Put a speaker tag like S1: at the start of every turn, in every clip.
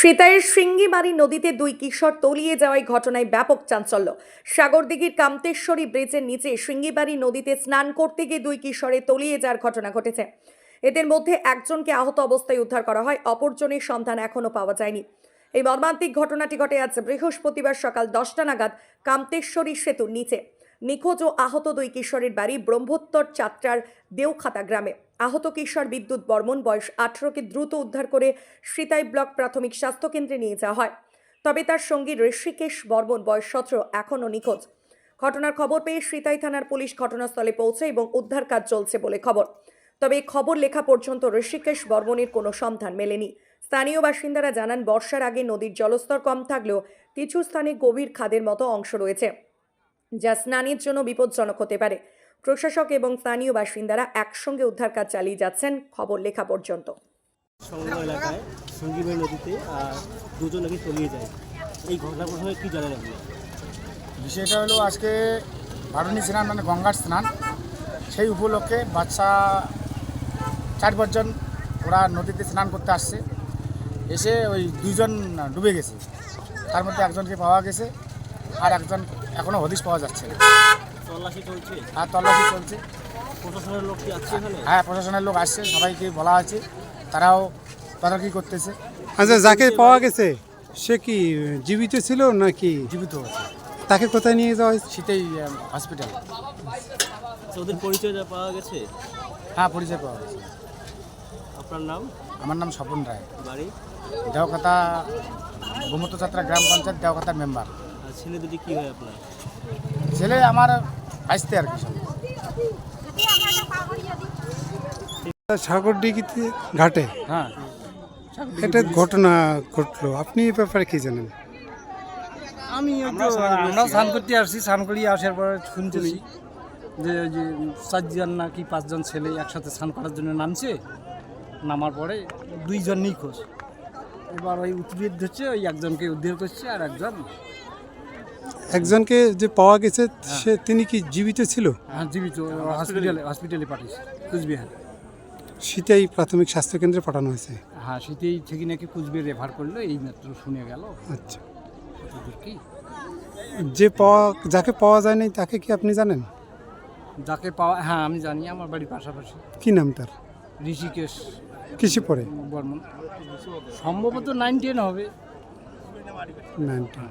S1: সিতাইয়ের সিঙ্গিমারি নদীতে দুই কিশোর তলিয়ে যাওয়ায় ঘটনায় ব্যাপক চাঞ্চল্য। সাগরদিঘির কামতেশ্বরী ব্রিজের নিচে সিঙ্গিমারি নদীতে স্নান করতে গিয়ে দুই কিশোরে তলিয়ে যাওয়ার ঘটনা ঘটেছে। এদের মধ্যে একজনকে আহত অবস্থায় উদ্ধার করা হয়, অপরজনের সন্ধান এখনো পাওয়া যায়নি। এই মর্মান্তিক ঘটনাটি ঘটে আজ বৃহস্পতিবার সকাল 10টা নাগাদ কামতেশ্বরী সেতুর নিচে। নিখোঁজ ও আহত দুই কিশোরের বাড়ি ব্রহ্মোত্তর চাত্রার দেওখাতা গ্রামে। আহত কিশোর বিদ্যুৎ বর্মন বয়স 18কে দ্রুত উদ্ধার করে সিতাই ব্লক প্রাথমিক স্বাস্থ্য কেন্দ্রে নিয়ে যাওয়া হয়। তবে তার সঙ্গী ঋষিকেশ বর্মন বয়স 17 এখনও নিখোঁজ। ঘটনার খবর পেয়ে সিতাই থানার পুলিশ ঘটনাস্থলে পৌঁছে এবং উদ্ধার কাজ চলছে বলে খবর। তবে এই খবর লেখা পর্যন্ত ঋষিকেশ বর্মনের কোনো সন্ধান মেলেনি। স্থানীয় বাসিন্দারা জানান, বর্ষার আগে নদীর জলস্তর কম থাকলেও কিছু স্থানে গভীর খাদের মতো অংশ রয়েছে, যা স্নানের জন্য বিপজ্জনক হতে পারে। প্রশাসক এবং স্থানীয় বাসিন্দারা একসঙ্গে উদ্ধার কাজ চালিয়ে যাচ্ছেন খবর লেখা পর্যন্ত।
S2: সংলগ্ন এলাকায় সঙ্গীবাড়ি নদীতে দুজন নাকি তলিয়ে যায়, এই ঘটনা প্রসঙ্গে কী জানেন আপনি?
S3: বিষয়টা হলো আজকে বারুণী স্নান মানে গঙ্গার স্নান, সেই উপলক্ষে বাচ্চা 4-5 জন ওরা নদীতে স্নান করতে আসছে। এসে ওই 2 জন ডুবে গেছে, তার মধ্যে একজনকে পাওয়া গেছে আর একজন এখনও হদিশ পাওয়া যাচ্ছে না।
S2: তল্লাশি চলছে?
S3: আর তল্লাশি চলছে।
S2: প্রশাসনের লোক কি আসছে এখানে?
S3: হ্যাঁ, প্রশাসনের লোক আসছে, সবাইকে বলা আছে, তারাও তদারকি করতেছে।
S4: আচ্ছা, যাকে পাওয়া গেছে সে কি জীবিত ছিল নাকি?
S3: জীবিত আছে।
S4: তাকে কোথায় নিয়ে যাওয়া হয়েছে?
S3: শীতেই হসপিটাল।
S2: ওদের পরিচয় যা পাওয়া গেছে?
S3: হ্যাঁ, পরিচয় পাওয়া গেছে।
S2: আপনার নাম?
S3: আমার নাম স্বপন রায়,
S2: বাড়ি?
S3: দেওখাতা ব্রহ্মোত্তর চাত্রা গ্রাম পঞ্চায়েত দেওখাতার মেম্বার।
S2: আর ছেলে দুটি কী হয় আপনার?
S3: ছেলে আমার আসতে আর কি সব।
S4: সাগরদিঘিতে ঘাটে
S3: হ্যাঁ,
S4: একটা ঘটনা ঘটলো, আপনি এই ব্যাপারে কি জানেন?
S5: আমরা স্নান করতে আসছি, স্নান করিয়ে আসার পর শুনতেছি যে 4 জন নাকি 5 জন ছেলে একসাথে স্নান করার জন্য নামছে। নামার পরে 2 জন নিখোঁজ। এবার ওই উদ্ধার ধরছে, ওই একজনকে উদ্ধার করছে আর
S4: একজনকে যে পাওয়া গেছে সে তিনি কি জীবিত ছিল?
S5: হ্যাঁ, জীবিত। হসপিটালে পাঠিয়েছে কুচবিহার।
S4: সিতাই প্রাথমিক স্বাস্থ্য কেন্দ্রে পাঠানো হয়েছে।
S5: হ্যাঁ, সেটাই থেকে নাকি কুচবিহার রেফার করলো, এই মাত্র শুনে গেল।
S4: আচ্ছা,
S5: কতদূর কি
S4: যাকে পাওয়া যায়নি তাকে কি আপনি জানেন?
S5: যাকে পাওয়া, হ্যাঁ আমি জানি, আমার বাড়ির পাশাপাশি।
S4: কি নাম তার?
S5: ঋষিকেশ
S4: কিসে পড়ে?
S5: বর্মন, সম্ভবত 9-10 হবে।
S4: 9-10।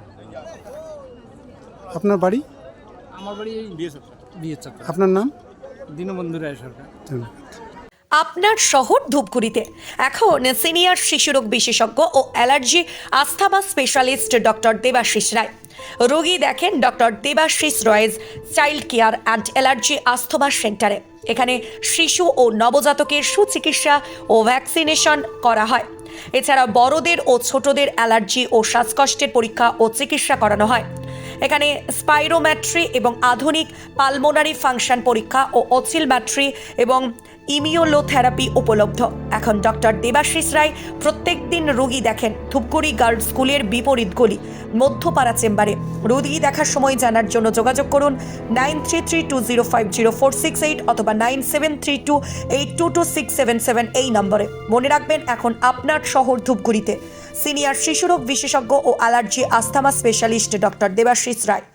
S4: আপনার বাড়ি?
S5: আমার বাড়ি এই বিয়ে চক্র।
S4: আপনার নাম?
S5: দীনবন্ধু রায় সরকার।
S4: ধন্যবাদ।
S1: আপনার শহর ধূপগুড়িতে এখন সিনিয়র শিশুরোগ বিশেষজ্ঞ ও allergy asthma specialist doctor Debashis Roy. রোগী দেখেন doctor Debashis Roy's child care and allergy asthma সেন্টারে। এখানে শিশু ও নবজাতকের সুচিকিৎসা ও ভ্যাকসিনেশন করা হয়। এছাড়া বড়দের ও ছোটদের অ্যালার্জি ও শ্বাসকষ্টের পরীক্ষা ও চিকিৎসা করানো হয়। এখানে স্পাইরোমেট্রি এবং আধুনিক পালমোনারি ফাংশন পরীক্ষা ও অসিলমেট্রি এবং ইমিউনোথেরাপি উপলব্ধ। এখন ডক্টর দেবাশিস রায় প্রত্যেক দিন রোগী দেখেন ধূপগুড়ি গার্লস স্কুলের বিপরীত গলি মধ্যপাড়া চেম্বারে। রোগী দেখার সময় জানার জন্য যোগাযোগ করুন 9332050468 অথবা 9732822677 এই নম্বরে। মনে রাখবেন, এখন আপনার শহর ধূপগুড়িতে সিনিয়র শিশুরোগ বিশেষজ্ঞ ও allergy asthma specialist doctor Debashis রায়।